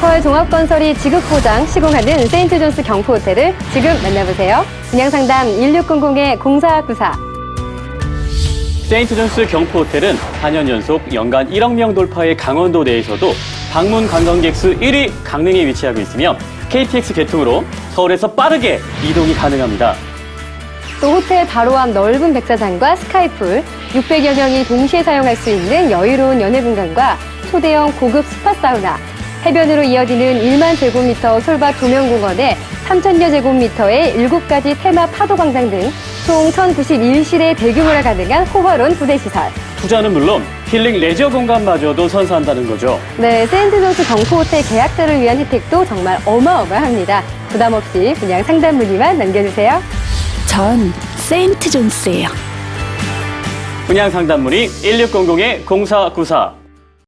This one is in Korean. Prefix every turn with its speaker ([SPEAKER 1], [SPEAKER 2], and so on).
[SPEAKER 1] 로컬 종합건설이 지극보장 시공하는 세인트존스 경포호텔을 지금 만나보세요. 분양상담 1600-0494.
[SPEAKER 2] 세인트존스 경포호텔은 4년 연속 연간 1억 명 돌파의 강원도 내에서도 방문 관광객 수 1위 강릉에 위치하고 있으며 KTX 개통으로 서울에서 빠르게 이동이 가능합니다.
[SPEAKER 1] 또 호텔 바로 앞 넓은 백사장과 스카이풀, 600여 명이 동시에 사용할 수 있는 여유로운 연회 공간과 초대형 고급 스파 사우나, 해변으로 이어지는 1만 제곱미터 솔밭 조명공원에 3,000여 제곱미터의 7가지 테마 파도 광장 등 총 1,091실의 대규모라 가능한 호화로운 부대시설.
[SPEAKER 2] 투자는 물론 힐링 레저 공간마저도 선사한다는 거죠.
[SPEAKER 1] 네, 세인트존스 경포호텔 계약자를 위한 혜택도 정말 어마어마합니다. 부담 없이 분양 상담 문의만 남겨주세요.
[SPEAKER 3] 전 세인트존스예요.
[SPEAKER 2] 분양 상담 문의 1600-0494.